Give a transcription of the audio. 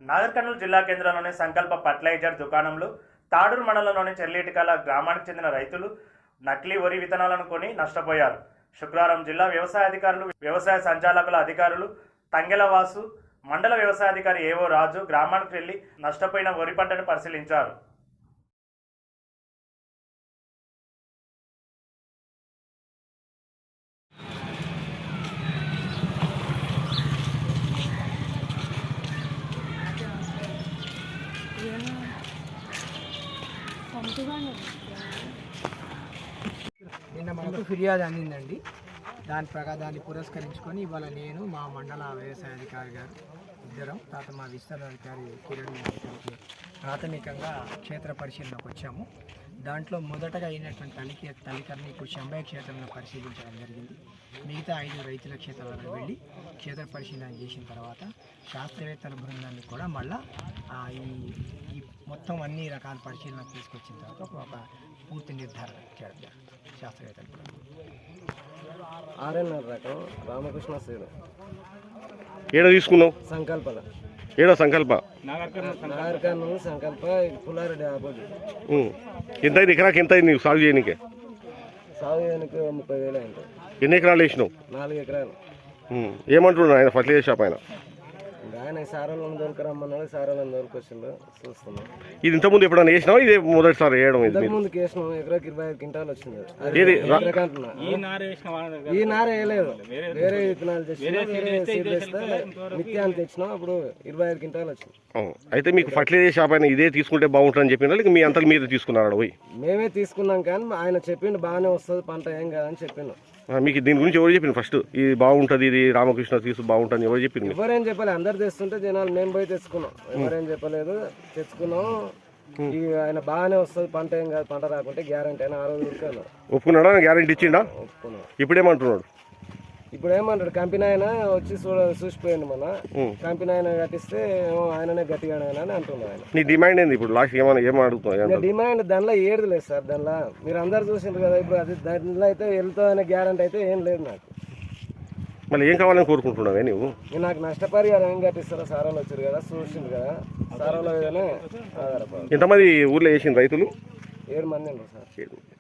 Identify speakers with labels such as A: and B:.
A: నాగర్ కర్నూలు జిల్లా కేంద్రంలోని సంకల్ప ఫర్టిలైజర్ దుకాణంలో తాడూరు మండలంలోని చెర్లేటికాల గ్రామానికి చెందిన రైతులు నకిలీ వరి విత్తనాలను కొని నష్టపోయారు. శుక్రవారం జిల్లా వ్యవసాయ అధికారులు, వ్యవసాయ సంచాలకుల అధికారులు తంగెలవాసు, మండల వ్యవసాయ అధికారి ఏవో రాజు గ్రామానికి వెళ్లి నష్టపోయిన వరి పంటను పరిశీలించారు.
B: నిన్న మనకు ఫిర్యాదు అందిందండి. దాన్ని పురస్కరించుకొని ఇవాళ నేను మా మండల వ్యవసాయ అధికారి గారు ఇద్దరం తర్వాత మా విస్తరణ అధికారి కిరణ్ గారికి ప్రాథమికంగా క్షేత్ర పరిశీలనకు వచ్చాము. దాంట్లో మొదటగా అయినటువంటి తల్లికర్ని ఇప్పుడు శంభయ క్షేత్రంలో పరిశీలించడం జరిగింది. మిగతా 5 రైతుల క్షేత్రాలకు వెళ్ళి క్షేత్ర పరిశీలన చేసిన తర్వాత శాస్త్రవేత్తల బృందాన్ని కూడా మళ్ళీ ఈ మొత్తం అన్ని రకాల పరిశీలన తీసుకొచ్చిన తర్వాత ఒక పూర్తి నిర్ధారణ చేయడం శాస్త్రవేత్తలు కూడా.
C: 6.5 రకం రామకృష్ణ శ్రీను
D: ఏడ తీసుకున్నావు?
C: సంకల్పల
D: ఏడో సంకల్ప
C: నాగర్ కర్నూలు సంకల్ప పుల్లారెడ్డి ఆపోజిట్.
D: ఎంత అయింది ఎకరాకి? ఎంత అయింది సాగు చేయడానికి?
C: సాగు చేయడానికి 30,000 అయింది.
D: ఎన్ని ఎకరాలు వేసినావు?
C: 4 ఎకరాలు.
D: ఏమంటున్నాడు ఆయన ఫర్టిలైజర్ షాప్ ఆయన?
C: ఆయన సారాలను దొరకరమ్మన్నాడు, సారాలను దొరికొచ్చిండు చూస్తున్నాం.
D: ఇది ఇంతకుముందు ఎప్పుడైనా వేసినావా? ఇదే మొదటిసారి వేయడం?
C: ముందు వేసినాం. ఎకరాకి 25 క్వింటాలు వచ్చింది. ఈ నార వేయలేదు, వేరే విత్తనాలు తెచ్చినా నిత్యాన్ని తెచ్చినాం. అప్పుడు 25 క్వింటాలు వచ్చింది.
D: అయితే మీకు ఫర్టిలైజర్ షాప్ ఆయన ఇదే తీసుకుంటే బాగుంటుందని చెప్పినా లేక మీ అంతకు మీరు తీసుకున్నారా? పోయి
C: మేమే తీసుకున్నాం, కానీ ఆయన చెప్పిండు బాగానే వస్తుంది పంట, ఏం కాదని చెప్పిండు.
D: మీకు దీని గురించి ఎవరు చెప్పింది? ఫస్ట్ ఇది బాగుంటుంది, ఇది రామకృష్ణ తీసు బాగుంటుంది ఎవరు చెప్పింది?
C: ఎవరేం చెప్పలేదు, అందరు తెస్తుంటే జనాలు మేము పోయి తెచ్చుకున్నాం. ఎవరేం చెప్పలేదు, తెచ్చుకున్నాం. ఆయన బాగానే వస్తుంది పంట, ఏం కాదు, పంట రాకుంటే గ్యారంటీ అయినా 6 రోజులు ఉరికాను.
D: ఒప్పుకున్నాడా? గ్యారంటీ ఇచ్చిండా?
C: ఒప్పుకున్నాం.
D: ఇప్పుడేమంటున్నాడు?
C: ఇప్పుడు ఏమంటాడు, కంపెనీ ఆయన వచ్చి చూసిపోయింది. మన కంపెనీ ఆయన కట్టిస్తే ఆయననే గట్టిగా అని అంటున్నాడు ఆయన.
D: నీ డిమాండ్ ఏంది ఇప్పుడు? లాస్ట్ ఏమడుగుతున్నా
C: డిమాండ్ దానిలో ఏది లేదు సార్. దానిలో మీరు అందరు చూసిండ్రు కదా. ఇప్పుడు అది దానిలో అయితే వెళ్తుందనే గ్యారంటీ అయితే ఏం లేదు నాకు.
D: మళ్ళీ ఏం కావాలని కోరుకుంటున్నావే నువ్వు?
C: నాకు నష్టపరిహారం ఏం కట్టిస్తారో సారాలు వచ్చారు కదా, చూసిండు కదా, సారాల మీదనే ఆధారపడాలి.
D: ఎంతమంది ఊర్లో వేసింది రైతులు?
C: 7 మంది ఉన్నారు సార్.